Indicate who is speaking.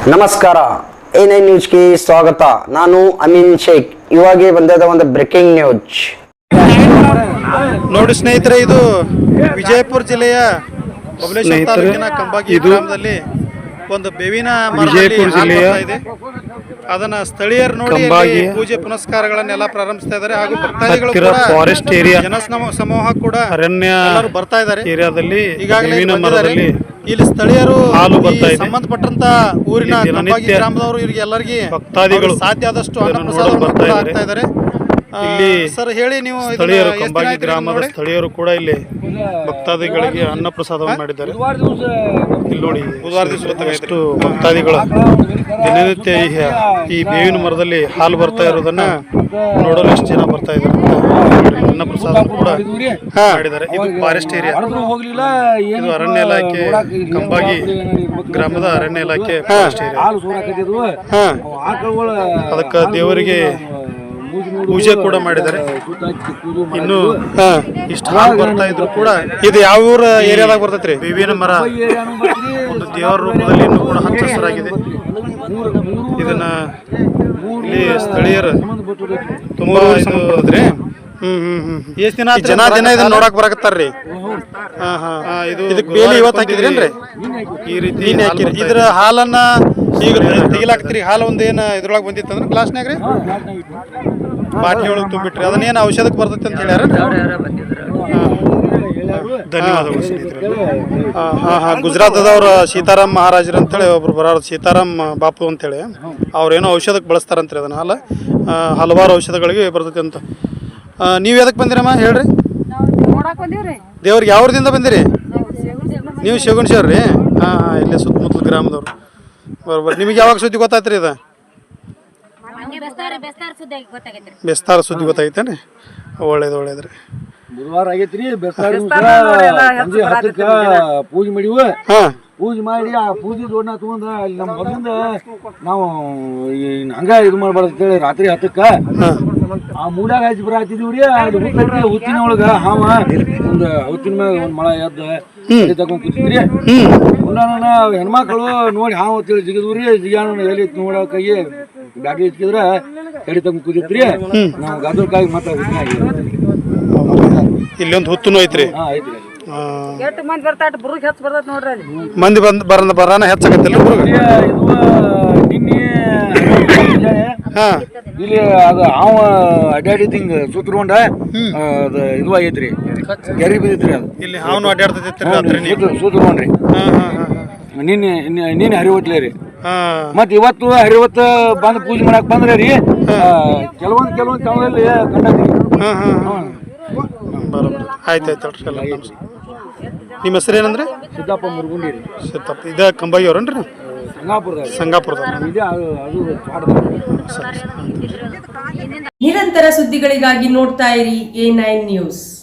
Speaker 1: ನಮಸ್ಕಾರ A9 ನ್ಯೂಸ್ಗೆ ಸ್ವಾಗತ. ನಾನು ಅಮೀನ್ ಶೇಖ್. ಇವಾಗೆ ಬಂದದ ಒಂದು ಬ್ರೇಕಿಂಗ್ ನ್ಯೂಸ್
Speaker 2: ನೋಡಿ ಸ್ನೇಹಿತರೆ, ಇದು ವಿಜಯಪುರ ಜಿಲ್ಲೆಯ ಬಬಲೇಶ್ವರ ತಾಲೂಕಿನ ಕಂಬಾಗಿ ಗ್ರಾಮದಲ್ಲಿ ಒಂದು ಬೇವಿನ ವಿಜಯಪುರ ಜಿಲ್ಲೆಯ ಇದೆ. ಅದನ್ನ ಸ್ಥಳೀಯರು ನೋಡಿ ಪೂಜೆ ಪುನಸ್ಕಾರಗಳನ್ನೆಲ್ಲ ಪ್ರಾರಂಭಿಸ್ತಾ ಇದ್ದಾರೆ. ಹಾಗೂ ಭಕ್ತಾದಿಗಳು ಕೂಡ ಫಾರೆಸ್ಟ್ ಏರಿಯಾ ಜನ ಸಮೂಹ ಕೂಡ ಅರಣ್ಯ ಬರ್ತಾ ಇದ್ದಾರೆ. ಏರಿಯಾದಲ್ಲಿ ಈಗಾಗಲೇ ಇಲ್ಲಿ ಸ್ಥಳೀಯರು ಸಂಬಂಧಪಟ್ಟಂತ ಊರಿನ ಕಂಬಾಗಿ ಗ್ರಾಮದವರು ಇವರಿಗೆ ಎಲ್ಲರಿಗೆ ಭಕ್ತಾದಿಗಳು ಸಾಧ್ಯ ಆದಷ್ಟು ಅನ್ನ ಪ್ರಸಾದ ಆಗ್ತಾ ಇದ್ದಾರೆ. ಇಲ್ಲಿ ಸರ್ ಹೇಳಿ, ನೀವು ಸ್ಥಳೀಯರು ಕಂಬಾಗಿ ಗ್ರಾಮದ ಸ್ಥಳೀಯರು ಕೂಡ ಇಲ್ಲಿ ಭಕ್ತಾದಿಗಳಿಗೆ ಅನ್ನ ಪ್ರಸಾದವನ್ನು ಮಾಡಿದ್ದಾರೆ. ಇಲ್ಲಿ ನೋಡಿ, ಬುಧವಾರ ದಿವಸ ಎಷ್ಟು ಭಕ್ತಾದಿಗಳು ದಿನನಿತ್ಯ ಈ ಬೇವಿನ ಮರದಲ್ಲಿ ಹಾಲು ಬರ್ತಾ ಇರೋದನ್ನ ನೋಡಲು ಎಷ್ಟು ಜನ ಬರ್ತಾ ಇದ್ದಾರೆ. ಅನ್ನ ಪ್ರಸಾದ ಕೂಡ ಮಾಡಿದ್ದಾರೆ. ಇದು ಫಾರೆಸ್ಟ್ ಏರಿಯಾ, ಇದು ಅರಣ್ಯ ಇಲಾಖೆ, ಕಂಬಾಗಿ ಗ್ರಾಮದ ಅರಣ್ಯ ಇಲಾಖೆ ಫಾರೆಸ್ಟ್ ಏರಿಯಾ. ಅದಕ್ಕೆ ದೇವರಿಗೆ ಪೂಜೆ ಕೂಡ ಮಾಡಿದ್ದಾರೆ. ಇನ್ನು ಇಷ್ಟು ಹಾಲು ಬರ್ತಾ ಇದ್ರು ಕೂಡ ಇದು ಯಾವ ಊರ ಏರಿಯಾದಾಗ ಬರ್ತೈತ್ರಿ? ಬೇವಿನ ಮರ ಒಂದು ದೇವರ ರೂಪದಲ್ಲಿ ಇನ್ನೂ ಕೂಡ ಹಚ್ಚ ಹಸಿರಾಗಿದೆ. ಇದನ್ನ ಇಲ್ಲಿ ಸ್ಥಳೀಯರು ತುಂಬಾ ಬರ್ತದ್ರಿ. ಎಷ್ಟು ದಿನ ಇದನ್ನ ನೋಡಕ್ ಬರಕತ್ತಾರ್ರಿ. ಇದಕ್ಕೆ ಬೇಲಿ ಇವತ್ತು ಹಾಕಿದ್ರೇನ್ರಿ? ಈ ರೀತಿ ಇದ್ರ ಹಾಲನ್ನ ಈಗ ತೆಗಿಲಾಕ್ತಿರಿ. ಹಾಲು ಒಂದು ಏನು ಇದ್ರೊಳಗೆ ಬಂದಿತ್ತು ಅಂದ್ರೆ ಗ್ಲಾಸ್ನಾಗ ರೀ ಬಾಟ್ಲಿ ಒಳಗೆ ತುಂಬಿಟ್ರಿ. ಅದನ್ನೇನು ಔಷಧಕ್ಕೆ ಬರ್ತೈತೆ ಅಂತ ಹೇಳ್ಯಾರ. ಧನ್ಯವಾದಗಳು ಸ್ನೇಹಿತರೆ. ಗುಜರಾತದವ್ರ ಸೀತಾರಾಮ್ ಮಹಾರಾಜರು ಅಂತೇಳಿ ಒಬ್ರು ಬರೋರು, ಸೀತಾರಾಮ್ ಬಾಪು ಅಂತೇಳಿ, ಅವ್ರೇನೋ ಔಷಧಕ್ಕೆ ಬಳಸ್ತಾರಂತ್ರಿ ಅದನ್ನ. ಹಾಲು ಹಲವಾರು ಔಷಧಗಳಿಗೆ ಬರ್ತೈತೆ ಅಂತ. ನೀವು ಎದಕ್ಕೆ ಬಂದಿರಮ್ಮ ಹೇಳ್ರಿ? ದೇವ್ರಿಗೆ ಯಾವ್ರದಿಂದ ಬಂದಿರಿ ನೀವು? ಶಗುಣಶೇವ್ರ ರೀ? ಇಲ್ಲೇ ಸುತ್ತಮುತ್ತಲ ಗ್ರಾಮದವ್ರು. ಬರೋಬ್ಬರ. ನಿಮಗೆ ಯಾವಾಗ ಸುದ್ದಿ ಗೊತ್ತಾಯ್ತ್ರಿ? ಇದು ಬೆಸ್ತಾರ ಸುದ್ದಿ ಗೊತ್ತಾಗೈತೇನ್ರಿ? ಒಳ್ಳೇದ್ರಿ.
Speaker 3: ಬುಧವಾರ ಆಗೈತ್ರಿ. ಪೂಜೆ ಮಾಡಿವ. ಪೂಜೆ ಮಾಡಿ ಆ ಪೂಜೆ ದೊಡ್ಡ ತಗೊಂಡ ಅಲ್ಲಿ ನಮ್ಮ ಮೊದಲಿಂದ ನಾವು ಹಂಗ ಇದು ಮಾಡ್ಬಾರ್ದು ರಾತ್ರಿ 10ಕ್ಕ ಆ ಮೂಡಾಗ ಹಚ್ಚಿ ಬರಾತಿದೀವ್ರಿ. ಅದು ಹುತ್ತಿನ ಒಳಗ ಹಾವ ಒಂದು ಹುತ್ತಿನ ಮ್ಯಾಗ ಒಂದ್ ಮಳ ಎದ್ದ ತಗೊಂಡ್ ಕೂತಿದ್ರಿ. ಹೆಣ್ಮಕ್ಳು ನೋಡಿ ಹಾವು ಅಂತೇಳಿ ಜಿಗಿದ್ರಿ. ಜಿಗಾನ ಎಲ್ಲಿ ನೋಡಕಾಗಿ ಗಾಡಿ ಹಚ್ಚಿದ್ರ ಎಡಿ ತಗೊಂಡ್ ಕೂತಿದ್ರಿ. ನಾವು ಗದಲ್ಕಾಗಿ ಮತ್ತೆ
Speaker 2: ಇಲ್ಲೊಂದು ಹುತ್ತುನು ಐತ್ರಿ. ಮಂದಿ ಬರಾನ ಹೆಚ್ಚಾಗತ್ತಿಲ್ಲ
Speaker 3: ಇಲ್ಲಿ. ಅದು ಹಾವ ಅಡ್ಡಾಡಿದ್ ಹಿಂಗ ಸುತ್ತಕೊಂಡ ಅದು ಇದು ಆಗೈತ್ರಿ, ಗೆರಿ ಬಿದ್ದಿತ್ರಿ. ಅದು
Speaker 2: ಇಲ್ಲಿ ಹಾವನು ಅಡ್ಡಾಡ್ತೈತಿ
Speaker 3: ಸುತ್ತಕೊಂಡ್ರಿ. ನಿನ್ನೆ ಹರಿವತ್ಲೇ ರೀ. ಮತ್ ಇವತ್ತು ಹರಿವತ್ತು ಬಂದ್ ಪೂಜೆ ಮಾಡಕ್ ಬಂದ್ರೆ ರೀ ಕೆಲವೊಂದ್ ತವದಲ್ಲಿ ಕಂಡತ್ರಿ.
Speaker 2: ಬರೋಬ್ಬರ. ಆಯ್ತಾಯ್ತು. ನಿಮ್ಮ ಹೆಸರು ಏನಂದ್ರೆ?
Speaker 3: ಸಿದ್ದಪ್ಪ ಮುರುಗುಂಡಿ ರೀ.
Speaker 2: ಸಿದ್ದಪ್ಪ. ಇದ ಕಂಬಾಗಿ ಅವ್ರನ್ರಿ? ಸಂಗಾಪುರದ.
Speaker 4: ನಿರಂತರ ಸುದ್ದಿಗಳಿಗಾಗಿ ನೋಡ್ತಾ ಇರಿ A9 ನ್ಯೂಸ್.